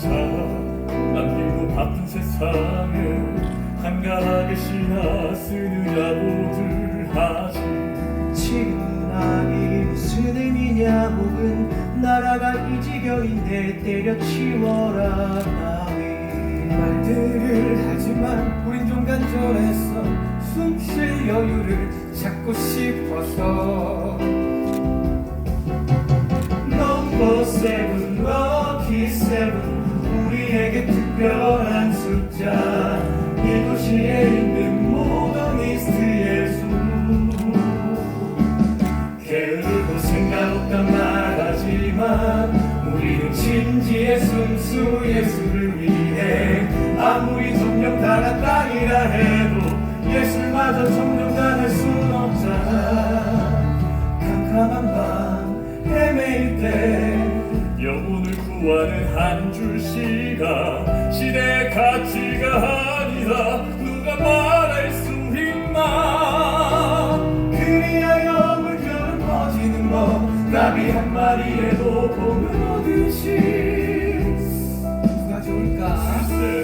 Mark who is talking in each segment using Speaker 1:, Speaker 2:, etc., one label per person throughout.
Speaker 1: 차 남기고 바쁜 세상에 한가하게 시나 쓰느냐고들 하지.
Speaker 2: 지금은 악이 무슨 의미냐, 혹은 나라가 이 지경인데 때려치워라 따위
Speaker 3: 말들을 하지만 우린 좀 간절했어. 숨 쉴 여유를 찾고 싶어서.
Speaker 2: 넘버 세븐, 럭키 세븐, 우리에게 특별한 숫자. 이 도시에 있는 모더니스트 예수. 게으르고 생각 없단 말하지만 우리는 진지의 순수 예수를 위해 아무리 점령당한 땅이라 해도 예술마저 점령당할 순 없잖아. 캄캄한 밤 헤매일 때
Speaker 1: 영혼을 구하는 한 줄 시가 시대의 가치가 아니다. 누가 말할 수 있나.
Speaker 2: 그리하여 물결은 퍼지는 법, 나비 한 마리에도 봄은 오듯이.
Speaker 3: 누가 좋을까?
Speaker 1: 글쎄,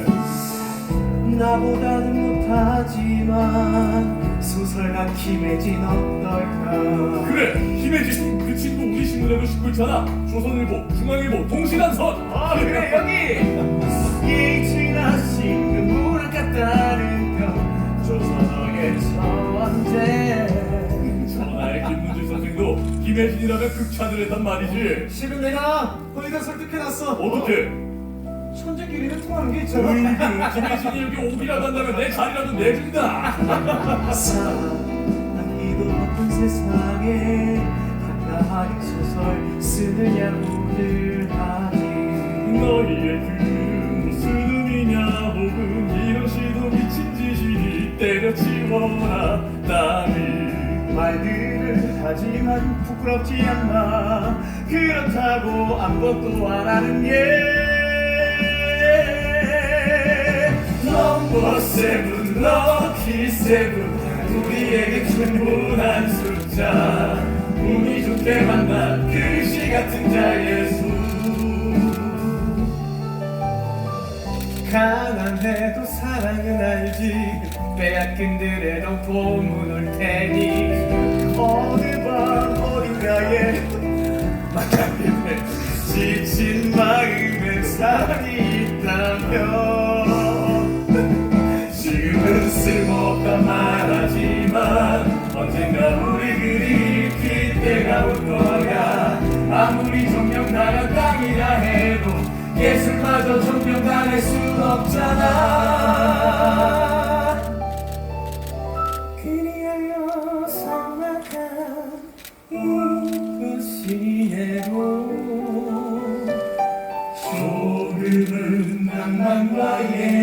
Speaker 2: 나보다는 못하지만 소설가 김혜진 어떨까.
Speaker 1: 그래, 김혜진 그 친구 우리 신문에도 싣고 있잖아. 조선일보, 중앙일보, 동시간선.
Speaker 3: 아 그래 여기.
Speaker 2: 이 지나신 그 문학 같다는 편 조선어의 천재.
Speaker 1: 전하의 김문주 선생도 김혜진이라면 극찬을 했단 말이지.
Speaker 3: 실은 내가 거기다 설득해놨어.
Speaker 1: 어떻게?
Speaker 3: 천재끼리는 통하는 게 있잖아.
Speaker 1: 김혜진이 여기 오기라도 한다면 내 자리라도 내준다.
Speaker 2: 사랑하기도 바쁜 세상에 한가하게 소설 쓰느냐고들 하지.
Speaker 1: 너희의 글은 무슨 의미냐, 혹은 이런 시도 미친 짓이니 때려치워라 따위.
Speaker 2: 말들을 하지만 부끄럽지 않나. 그렇다고 아무것도 안 하는 예. 넘버 세븐, 럭키 세븐, 우리에게 충분한 숫자. 운이 좋게 만난 글씨 같은 자 예수. 가난해도 사랑은 알지, 빼앗긴들에도 봄은 올 테니. 어느 밤 어딘가에 만나게 지친 마음에 사랑이 있다면 지금은 쓸모없다 말하지만 언젠가 우리 그리 길 때가 올 거야. 아무리 점령당한 땅이라 해도 예술마저 점령당할 순 없잖아. 그리하여 삭막한 이 도시에도 조금은 낭만과 예